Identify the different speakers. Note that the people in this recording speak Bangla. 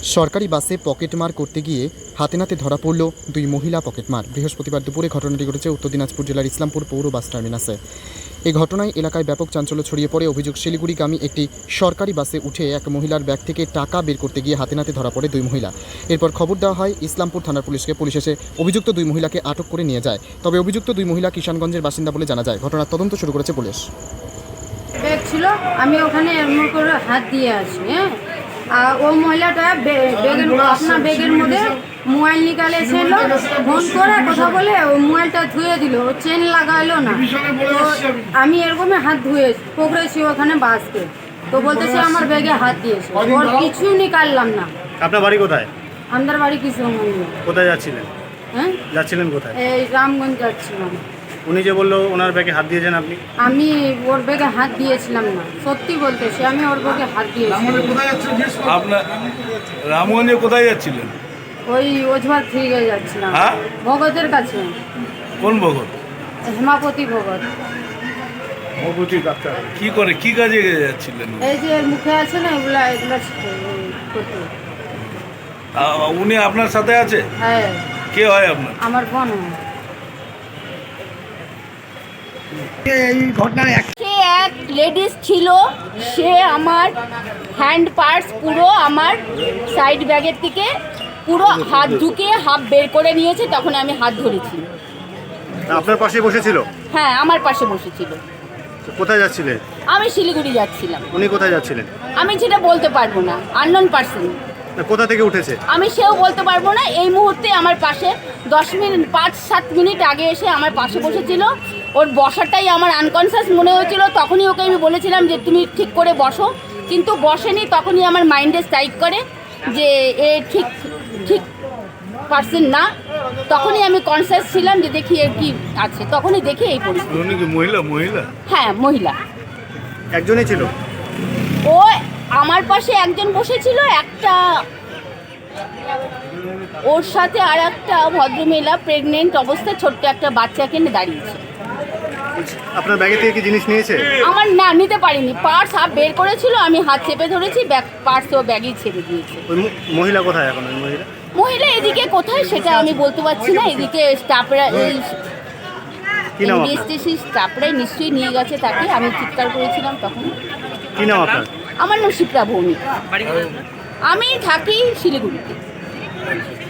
Speaker 1: সরকারি বাসে পকেটমার করতে গিয়ে হাতে নাতে ধরা পড়ল দুই মহিলা পকেটমার। বৃহস্পতিবার দুপুরে ঘটনাটি ঘটেছে উত্তর দিনাজপুর জেলার ইসলামপুর পৌর বাস টার্মিনাসে। এই ঘটনায় এলাকায় ব্যাপক চাঞ্চল্য ছড়িয়ে পড়ে। অভিযোগ, শিলিগুড়িগামী একটি সরকারি বাসে উঠে এক মহিলার ব্যাগ থেকে টাকা বের করতে গিয়ে হাতে নাতে ধরা পড়ে দুই মহিলা। এরপর খবর দেওয়া হয় ইসলামপুর থানার পুলিশকে। পুলিশ এসে অভিযুক্ত দুই মহিলাকে আটক করে নিয়ে যায়। তবে অভিযুক্ত দুই মহিলা কিষানগঞ্জের বাসিন্দা বলে জানা যায়। ঘটনার তদন্ত শুরু করেছে পুলিশ।
Speaker 2: ব্যাগ ছিল, আমি ওখানে এমন করে হাত দিয়ে আছি। হ্যাঁ, আর ও মহিলাটা আপনার ব্যাগের মধ্যে মোবাইল নিকালেছিল, ফোন করে কথা বলে ওই মোবাইলটা ধুয়ে দিল, ও চেন লাগাইলো না। তো আমি এরকমই হাত ধুয়ে পকড়েছি ওখানে বাসকে, তো বলতেছে আমার ব্যাগে হাত দিয়েছে, ওর কিছু নিকাললাম না।
Speaker 3: আপনার বাড়ি কোথায়?
Speaker 2: আমাদের বাড়ি কিশোরগঞ্জ।
Speaker 3: কোথায় যাচ্ছিলেন?
Speaker 2: হ্যাঁ,
Speaker 3: যাচ্ছিলেন কোথায়?
Speaker 2: এই রামগঞ্জ যাচ্ছিলাম।
Speaker 3: উনি যে বললো ওনার ব্যাগে হাত দিয়েছেন আপনি?
Speaker 2: আমি ওর ব্যাগে হাত দিয়েছিলাম না, সত্যি বলতেছি, আমি ওর ব্যাগে হাত দিয়েছিলাম।
Speaker 4: আপনার রামগঞ্জে কোথায় যাচ্ছিলেন?
Speaker 2: ওই ওঝবার থেকে যাচ্ছিলাম।
Speaker 4: হ্যাঁ?
Speaker 2: ভগতের কাছে।
Speaker 4: কোন ভগত?
Speaker 2: হেমাপতি ভগত।
Speaker 4: কি করে, কি কাজে যাচ্ছিলেন?
Speaker 2: এই যে মুখে আছে না, এগুলা করতে।
Speaker 4: উনি আপনার সাথে আছে?
Speaker 2: হ্যাঁ,
Speaker 4: কে হয় আপনার?
Speaker 2: আমার বোন হয়।
Speaker 5: সে এক লেডিস ছিল, সে আমার হ্যান্ড পার্স পুরো আমার সাইড ব্যাগের থেকে পুরো হাত ঢুকিয়ে হাফ বের করে নিয়েছে, তখন আমি হাত ধরেছি।
Speaker 3: আপনার পাশে বসেছিল?
Speaker 5: হ্যাঁ, আমার পাশে বসেছিল।
Speaker 3: কোথায় যাচ্ছিলেন?
Speaker 5: আমি শিলিগুড়ি যাচ্ছিলাম।
Speaker 3: উনি কোথায় যাচ্ছিলেন?
Speaker 5: আমি সেটা বলতে পারবো না, আননোন পার্সন।
Speaker 3: কোথা থেকে উঠেছে?
Speaker 5: আমি সেও বলতে পারবো না। এই মুহূর্তে আমার পাশে 5-7 মিনিট আগে এসে আমার পাশে বসেছিল। ওর বসাটাই আমার আনকনসিয়াস মনে হয়েছিল। তখনই ওকে আমি বলেছিলাম যে তুমি ঠিক করে বসো, কিন্তু বসেনি। তখনই আমার মাইন্ডে স্ট্রাইক করে যে এ ঠিক পার্সন না। তখনই আমি কনসিয়াস ছিলাম যে দেখি এর কি আছে, তখনই দেখি এই পরিস্থিতি।
Speaker 4: উনি কি মহিলা?
Speaker 5: হ্যাঁ, মহিলা।
Speaker 3: একজনই ছিল?
Speaker 5: ও আমার পাশে একজন বসেছিল, একটা ওর সাথে আর একটা ভদ্রমহিলা প্রেগনেন্ট অবস্থায় ছোট্ট একটা বাচ্চাকে নিয়ে দাঁড়িয়েছে।
Speaker 3: আপনার ব্যাগে থেকে কি জিনিস নিয়েছে?
Speaker 5: আমার না, নিতে পারিনি। পার্স হাফ বের করেছিল, আমি হাত চেপে ধরেছি, পার্স ও ব্যাগেই ছেড়ে দিয়েছে।
Speaker 3: ওই মহিলা কোথায় এখন? ওই
Speaker 5: মহিলা এদিকে কোথায় সেটা আমি বলতে পারছি না। এদিকে স্টাফরা,
Speaker 3: কি নাম আপনার?
Speaker 5: ইনভেস্টিগেশন স্টাফরাই নিশ্চয়ই নিয়ে গেছে তাকে। আমি চিৎকার করেছিলাম তখন।
Speaker 3: কি নাম আপনার?
Speaker 5: আমার নাম শিপ্রা ভৌমিক। আমি থাকি শিলিগুড়িতে।